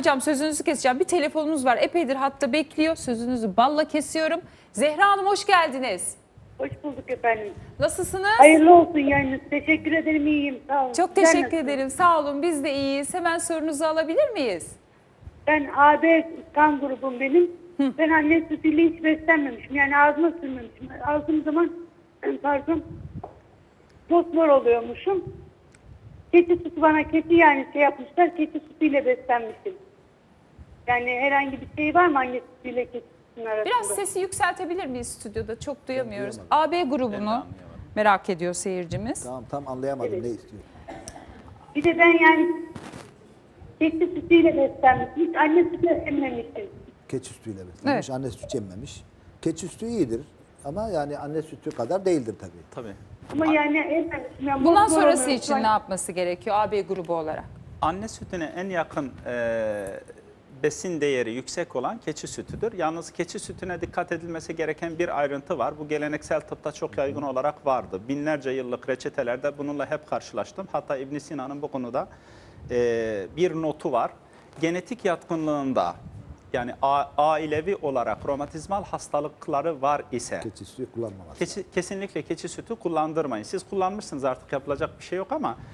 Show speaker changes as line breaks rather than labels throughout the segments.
hocam sözünüzü keseceğim. Bir telefonumuz var. Epeydir hatta bekliyor. Sözünüzü balla kesiyorum. Zehra Hanım hoş geldiniz.
Hoş bulduk efendim.
Nasılsınız?
Hayırlı olsun yayınınız. Teşekkür ederim, iyiyim. Sağ olun.
Çok
Sizler
teşekkür
nasılsınız?
ederim. Sağ olun. Biz de iyiyiz. Hemen sorunuzu alabilir miyiz?
Ben AB kan grubum benim. Ben anne sütüyle hiç beslenmemişim. Yani ağzıma sürmemişim. Aldığım zaman pardon fosfor oluyormuşum. Keçi sütü bana yani yapmışlar. Keçi sütüyle beslenmişim. Yani herhangi bir şey var mı anne sütüyle keçi sütünün arasında?
Biraz sesi yükseltebilir miyiz stüdyoda? Çok duyamıyoruz.
duyamadım.
AB grubunu merak ediyor seyircimiz.
Tamam, tam anlayamadım
Evet.
ne istiyor.
Bir de ben yani keçi sütüyle beslenmişim. Hiç anne sütü emmemişim.
Keçi sütüyle beslenmiş, anne sütü emmemiş. Keçi sütü iyidir ama yani anne sütü kadar değildir tabii.
Tabii.
Ama yani emmemişim. Yani
Bundan
fosfor
sonrası
oluyor.
için ne yapması gerekiyor AB grubu olarak?
Anne sütüne en yakın besin değeri yüksek olan keçi sütüdür. Yalnız keçi sütüne dikkat edilmesi gereken bir ayrıntı var. Bu geleneksel tıpta çok yaygın olarak vardı. Binlerce yıllık reçetelerde bununla hep karşılaştım. Hatta İbn Sina'nın bu konuda bir notu var. Genetik yatkınlığında yani ailevi olarak romatizmal hastalıkları var ise
Keçi sütü kullanmaması.
kesinlikle keçi sütü kullandırmayın. Siz kullanmışsınız, artık yapılacak bir şey yok ama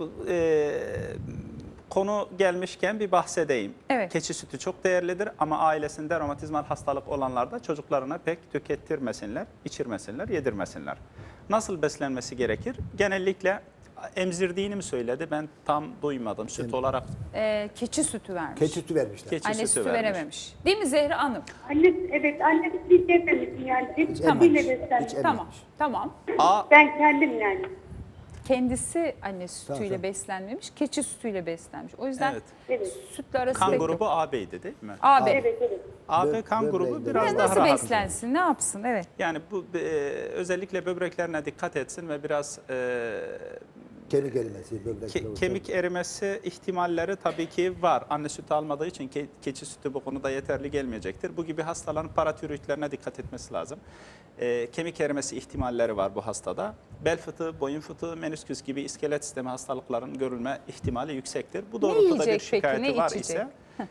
konu gelmişken bir bahsedeyim.
Evet.
Keçi sütü çok değerlidir ama ailesinde romatizmal hastalık olanlar da çocuklarına pek tükettirmesinler, içirmesinler, yedirmesinler. Nasıl beslenmesi gerekir? Genellikle emzirdiğini mi söyledi? Ben tam duymadım. Süt olarak
Keçi sütü vermiş.
Keçi sütü vermişler.
keçi
Anne
sütü
sütü
vermiş.
verememiş. Değil mi Zehra Hanım?
Anne sütü hiç emmemişim yani. Hep
Tamam.
sütüyle
Hiç
beslenmişim.
Tamam. Tamam.
Ben kendim yani.
Kendisi anne sütüyle
Tamam.
beslenmemiş, keçi sütüyle beslenmiş. O yüzden
Evet.
Evet.
sütle arası
Kan
pek yok.
grubu AB'ydi değil mi?
AB.
Evet, evet.
AB kan grubu
Böbreğinde
biraz
Yani
daha
nasıl
rahat.
beslensin, ne yapsın? Evet.
Yani bu özellikle böbreklerine dikkat etsin ve biraz
Kemik erimesi, böbrek.
kemik erimesi ihtimalleri tabii ki var. Anne sütü almadığı için keçi sütü bu konuda yeterli gelmeyecektir. Bu gibi hastaların paratiroidlerine dikkat etmesi lazım. Kemik erimesi ihtimalleri var bu hastada. Bel fıtığı, boyun fıtığı, menisküs gibi iskelet sistemi hastalıkların görülme ihtimali yüksektir. Bu doğrultuda bir
yiyecek peki,
şikayeti
ne
var
içecek?
ise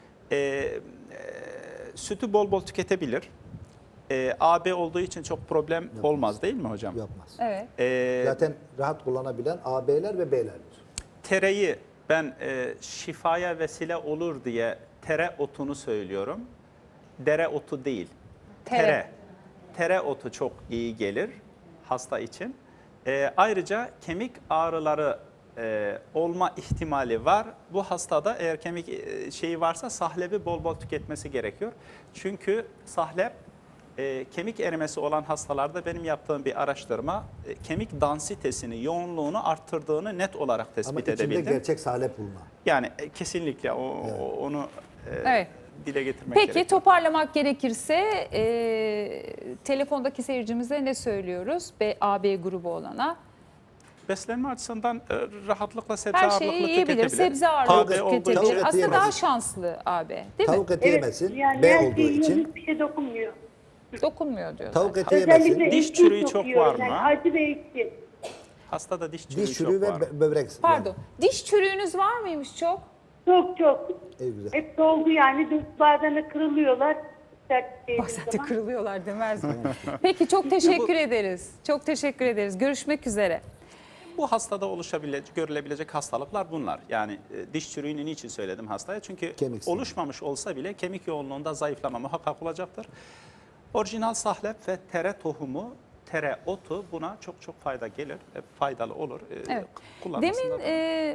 sütü bol bol tüketebilir. AB olduğu için çok problem olmaz değil mi hocam?
Yapmaz.
Evet.
Zaten rahat kullanabilen AB'ler ve B'lerdir.
Tereyi ben şifaya vesile olur diye tere otunu söylüyorum. Dere otu değil.
Tere.
Tere otu çok iyi gelir hasta için. Ayrıca kemik ağrıları olma ihtimali var. Bu hastada eğer kemik şeyi varsa sahlebi bol bol tüketmesi gerekiyor. Çünkü sahlep kemik erimesi olan hastalarda benim yaptığım bir araştırma kemik dansitesini, yoğunluğunu arttırdığını net olarak
Ama
tespit
içinde
edebildim.
gerçek salep bulma.
Yani kesinlikle onu
Evet.
dile getirmek
Peki
gerekiyor.
toparlamak gerekirse telefondaki seyircimize ne söylüyoruz? AB grubu olana.
Beslenme açısından rahatlıkla sebze
Her
ağırlıklı
şeyi yiyebilir,
tüketebilir.
sebze
AB
ağırlıklı
olduğu için
tüketebilir.
Tavuk eti
Aslında daha
yemez.
şanslı AB değil
Tavuk
mi?
eti yemesin,
Evet, yani
B
her
olduğu
şeyi yiyorum,
için.
hiçbir şey dokunmuyor.
Dokunmuyor diyor.
Tavuk
zaten.
eti yemesin.
Özellikle
Diş
ekşi
çürüğü çok
yiyorum.
var mı?
Yani acı ve ekşi.
Hastada diş çürüğü
Diş çürüğü
çok
ve
var.
böbrek.
Pardon. Diş çürüğünüz var mıymış çok?
Çok çok.
Güzel.
Hep doldu yani. Bazen de kırılıyorlar. Sert değdiği
Bazen de
zaman.
kırılıyorlar demez mi? Peki çok teşekkür ederiz. Çok teşekkür ederiz. Görüşmek üzere.
Bu hastada görülebilecek hastalıklar bunlar. Yani diş çürüğünü niçin söyledim hastaya? Çünkü
Kemik siniri.
oluşmamış olsa bile kemik yoğunluğunda zayıflama muhakkak olacaktır. Orijinal sahlep ve tere tohumu, tere otu buna çok çok fayda gelir, faydalı olur.
Evet.
Kullanmasında
Demin
da-